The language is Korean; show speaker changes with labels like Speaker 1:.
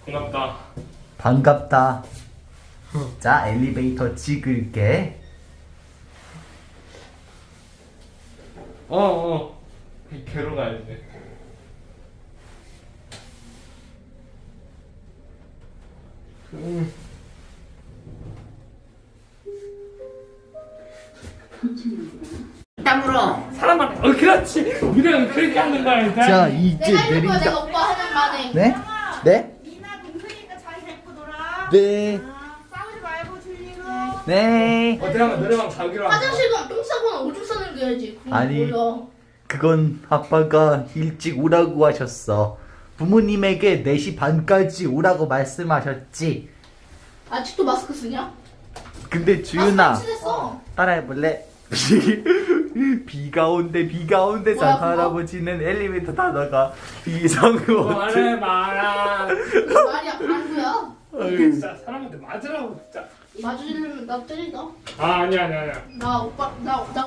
Speaker 1: 반갑다.
Speaker 2: 반갑다. 자, 엘리베이터 찍을게.
Speaker 1: 개로 가야지.
Speaker 3: 땀으로
Speaker 1: 사람만 그렇지. 우리가 그렇게 하는 거야.
Speaker 2: 자, 이제
Speaker 4: 내가 해줄 거야.
Speaker 2: 내린다.
Speaker 4: 내가 오빠 하는 말에.
Speaker 2: 네? 네?
Speaker 3: 미나 동생이니까 잘 데리고 놀아.
Speaker 2: 네.
Speaker 3: 싸우지 말고 줄리고.
Speaker 2: 네.
Speaker 1: 어떻게 하면 노래방 가기로 하고.
Speaker 4: 화장실 가면 똥 싸거나 오줌 싸는 게 해야지. 그건
Speaker 2: 아니.
Speaker 4: 몰라.
Speaker 2: 그건 아빠가 일찍 오라고 하셨어. 부모님에게 4시 반까지 오라고 말씀하셨지.
Speaker 4: 아직도 마스크 쓰냐?
Speaker 2: 근데 주윤아,
Speaker 4: 마스크 친했어.
Speaker 2: 따라해볼래? 비가 온대
Speaker 4: 뭐야,
Speaker 2: 산타
Speaker 4: 그거?
Speaker 2: 할아버지는 엘리베이터 타다가 이상으로
Speaker 1: 말해 마라.
Speaker 4: 말이야 방구야.
Speaker 1: 진짜 사람한테 맞으라고 진짜.
Speaker 4: 맞으려면 나 때린다.
Speaker 1: 아니야.
Speaker 4: 나 오빠 나